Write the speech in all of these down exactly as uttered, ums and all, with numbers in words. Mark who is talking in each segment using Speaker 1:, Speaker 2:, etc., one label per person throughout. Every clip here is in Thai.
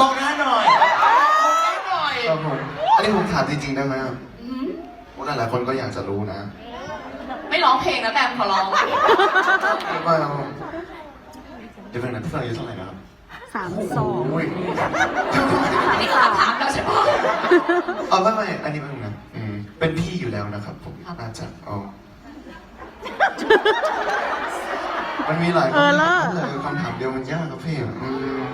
Speaker 1: มองหน้าหน่อยมองหน้าหน่อย
Speaker 2: ครับผมอันนี้ผมถามจริงๆได้ไหมครับ
Speaker 3: อืม
Speaker 2: ว่าหลายๆคนก็อยากจะรู้นะ
Speaker 3: ไม่ร้องเพลงนะแบมขอร้อง
Speaker 2: ว่าเดี๋ยวเป็นนะพี่ฟังอายุเท่าไหร่นะครับ
Speaker 4: สามสอง
Speaker 2: โอ้ย
Speaker 3: นี่คือคำถามเราใช่ปะ
Speaker 2: เอาไม่ไม่อันนี้เป็นนะอืมเป็นพี่อยู่แล้วนะครับผม
Speaker 3: ครับ
Speaker 2: น่าจะเอามันมีหลาย
Speaker 4: เออเลิศ
Speaker 2: เลยคำถามเดียวมันยากครับพี่อืม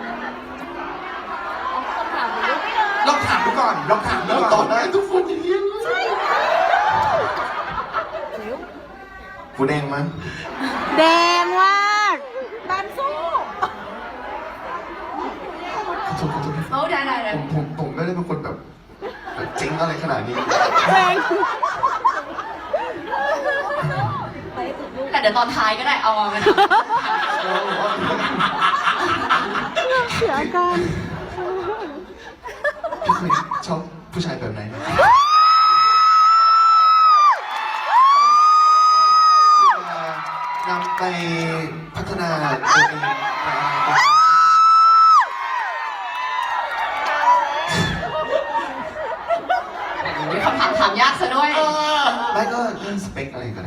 Speaker 1: ลองถามดูก่อนลองถามดู
Speaker 2: แล้ว
Speaker 1: ก่อน
Speaker 2: ตอบได้ทุกคนอย่างนี้คุณเองมั้ย
Speaker 4: แดงมากแบมสู้
Speaker 2: ขอโทษขอโทษ
Speaker 3: เอาได้ได้ได้
Speaker 2: ผมผมผมไม่ได้เป็นคนแบบแบบจริงอะไรขนาดนี้
Speaker 4: แดง
Speaker 3: แต่เดี๋ยวตอนท้ายก็ได้เอามา
Speaker 4: เสียอาการ
Speaker 2: พี่เคยชอบผู้ชายแบบไหนนะนำไปพัฒนาตัวเองในอนาคต
Speaker 3: มีคำถามถามยากซะด้วย
Speaker 2: ไม่ก็เรื่องสเปคอะไรก็ได้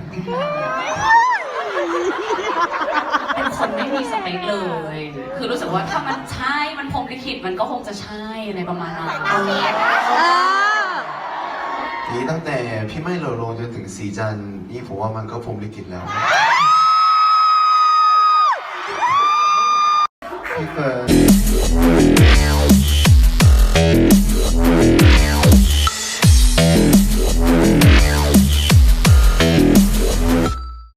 Speaker 3: เป็นคนไม่มีสเปคเลย คือรู้สึกว่าถ้ามันใช่ มันพรหมลิขิตมันก็คงจะใช่อะไรประมาณนั้น
Speaker 4: เออ
Speaker 2: นี่ตั้งแต่พี่ไม่โลโลจนถึงสีจันทร์นี่ผมว่ามันก็พรหมลิขิตแล้ว
Speaker 4: เ